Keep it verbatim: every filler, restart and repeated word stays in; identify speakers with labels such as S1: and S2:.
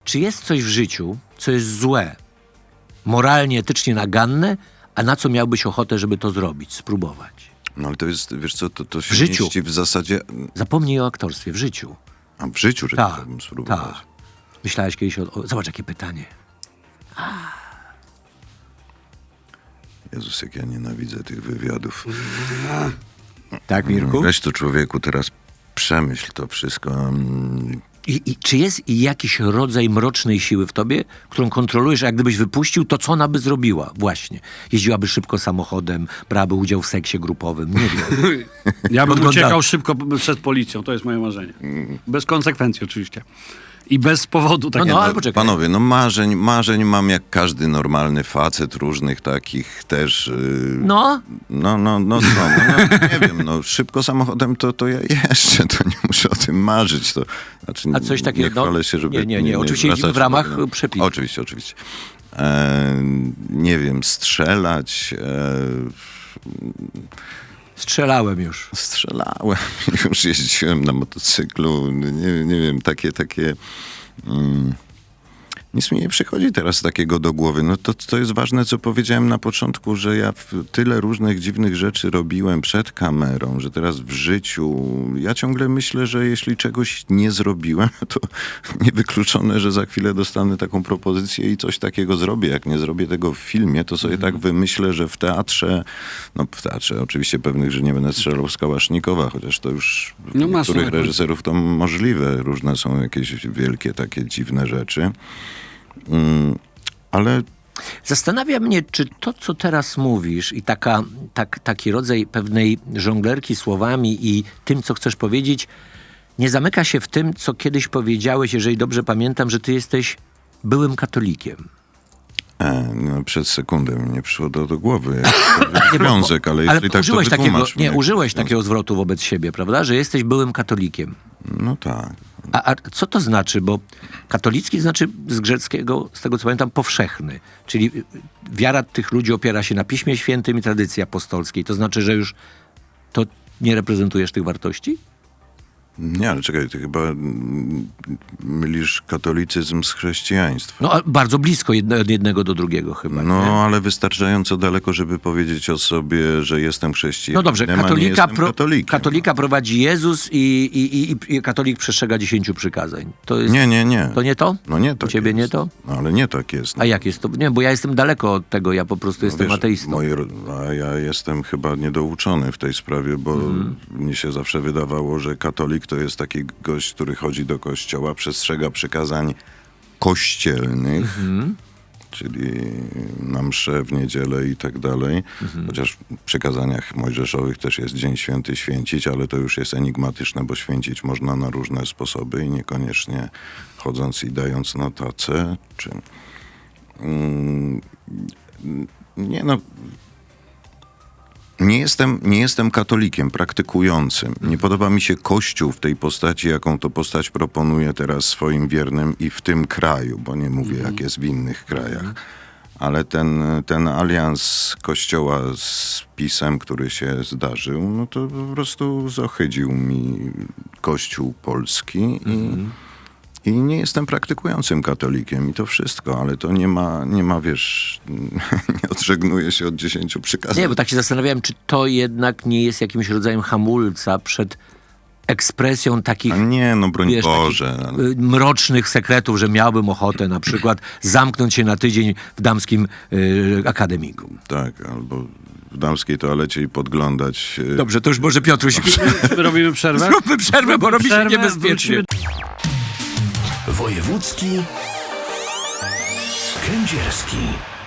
S1: czy jest coś w życiu, co jest złe, moralnie, etycznie naganne, a na co miałbyś ochotę, żeby to zrobić, spróbować?
S2: No ale to jest, wiesz co, to, to się
S1: W życiu.
S2: mieści w zasadzie...
S1: Zapomnij o aktorstwie, w życiu.
S2: A w życiu, że
S1: Tak,
S2: chciałbym spróbować.
S1: tak. Myślałeś kiedyś o... o... Zobacz, jakie pytanie.
S2: Jezus, jak ja nienawidzę tych wywiadów.
S1: Tak, Mirku?
S2: Weź to, człowieku, teraz przemyśl to wszystko. Mm,
S1: I, I czy jest jakiś rodzaj mrocznej siły w tobie, którą kontrolujesz, a jak gdybyś wypuścił, to co ona by zrobiła? Właśnie. Jeździłaby szybko samochodem, brałaby udział w seksie grupowym, nie wiem.
S3: Ja bym
S1: Podgląda-
S3: uciekał szybko przed policją, to jest moje marzenie. Bez konsekwencji oczywiście. I bez powodu tak
S1: No,
S3: takiego.
S1: no, ale poczekaj.
S2: Panowie, no marzeń, marzeń mam jak każdy normalny facet, różnych takich też... Yy,
S1: No,
S2: No, no, no, co, no, no nie wiem, no szybko samochodem to, to ja jeszcze, to nie muszę o tym marzyć. To, znaczy,
S1: A coś takiego-
S2: Nie chwalę się, żeby...
S1: nie, nie, nie, oczywiście jeździmy w ramach
S2: zwracać-
S1: przepisów.
S2: Oczywiście, oczywiście. E, nie wiem, strzelać... E,
S1: strzelałem już.
S2: strzelałem, już jeździłem na motocyklu, nie, nie wiem, takie, takie... Mm, nic mi nie przychodzi teraz takiego do głowy. No to, to jest ważne, co powiedziałem na początku, że ja w- tyle różnych dziwnych rzeczy robiłem przed kamerą, że teraz w życiu... Ja ciągle myślę, że jeśli czegoś nie zrobiłem, to niewykluczone, że za chwilę dostanę taką propozycję i coś takiego zrobię. Jak nie zrobię tego w filmie, to sobie tak wymyślę, że w teatrze... No w teatrze oczywiście pewnych, że nie będę strzelał z Kałasznikowa, chociaż to już w
S3: No masz
S2: niektórych
S3: rację.
S2: reżyserów to możliwe. Różne są jakieś wielkie, takie dziwne rzeczy. Mm, ale
S1: Zastanawia mnie, czy to, co teraz mówisz i taka, tak, taki rodzaj pewnej żonglerki słowami i tym, co chcesz powiedzieć, nie zamyka się w tym, co kiedyś powiedziałeś, jeżeli dobrze pamiętam, że ty jesteś byłym katolikiem.
S2: e, no, przez sekundę mi nie przyszło do, do głowy
S1: Nie, bo-
S2: związek, ale jeśli
S1: Ale
S2: tak to
S1: użyłeś takiego,
S2: wytłumacz mi,
S1: nie,
S2: jaki
S1: użyłeś
S2: związek.
S1: takiego zwrotu wobec siebie, prawda? Że jesteś byłym katolikiem.
S2: No tak.
S1: A, a co to znaczy? Bo katolicki znaczy z greckiego, z tego co pamiętam, powszechny. Czyli wiara tych ludzi opiera się na Piśmie Świętym i tradycji apostolskiej. To znaczy, że już to nie reprezentujesz tych wartości?
S2: Nie, ale czekaj, ty chyba mm, mylisz katolicyzm z chrześcijaństwem.
S1: No, a bardzo blisko jedno, od jednego do drugiego chyba.
S2: No,
S1: nie?
S2: ale wystarczająco daleko, żeby powiedzieć o sobie, że jestem chrześcijaninem,
S1: No dobrze,
S2: a nie
S1: katolika,
S2: jestem
S1: pro,
S2: katolikiem.
S1: katolika prowadzi Jezus i, i, i, i katolik przestrzega dziesięciu przykazań. To jest,
S2: Nie, nie, nie.
S1: To nie to?
S2: No nie
S1: U
S2: tak
S1: ciebie
S2: jest.
S1: nie to?
S2: No, ale nie tak jest. No.
S1: A jak jest to? Nie, bo ja jestem daleko od tego, ja po prostu jestem
S2: Wiesz,
S1: ateistą.
S2: moje ro- a ja jestem chyba niedouczony w tej sprawie, bo
S1: Mhm.
S2: mnie się zawsze wydawało, że katolik to jest taki gość, który chodzi do kościoła, przestrzega przykazań kościelnych,
S1: Mhm.
S2: czyli na msze w niedzielę i tak dalej.
S1: Mhm.
S2: Chociaż w przykazaniach mojżeszowych też jest Dzień Święty święcić, ale to już jest enigmatyczne, bo święcić można na różne sposoby i niekoniecznie chodząc i dając na tacę, czy... Mm, nie no... Nie jestem, nie jestem katolikiem praktykującym. Nie podoba mi się Kościół w tej postaci, jaką to postać proponuje teraz swoim wiernym i w tym kraju, bo nie mówię, jak jest w innych krajach. Ale ten, ten alians Kościoła z PiS-em, który się zdarzył, no to po prostu zohydził mi Kościół polski i, i nie jestem praktykującym katolikiem i to wszystko, ale to nie ma, nie ma wiesz, nie odżegnuję się od dziesięciu przykazań.
S1: Nie, bo tak się zastanawiałem, czy to jednak nie jest jakimś rodzajem hamulca przed ekspresją takich,
S2: A nie, no broń
S1: wiesz,
S2: Boże.
S1: takich y, mrocznych sekretów, że miałbym ochotę na przykład zamknąć się na tydzień w damskim y, akademiku.
S2: Tak, albo w damskiej toalecie i podglądać. e,
S1: Dobrze, to już może Piotruś,
S3: Robimy przerwę?
S1: zróbmy przerwę, bo robi się
S3: Przerwę,
S1: niebezpiecznie.
S3: wrócimy-
S4: Wojewódzki Kędzierski.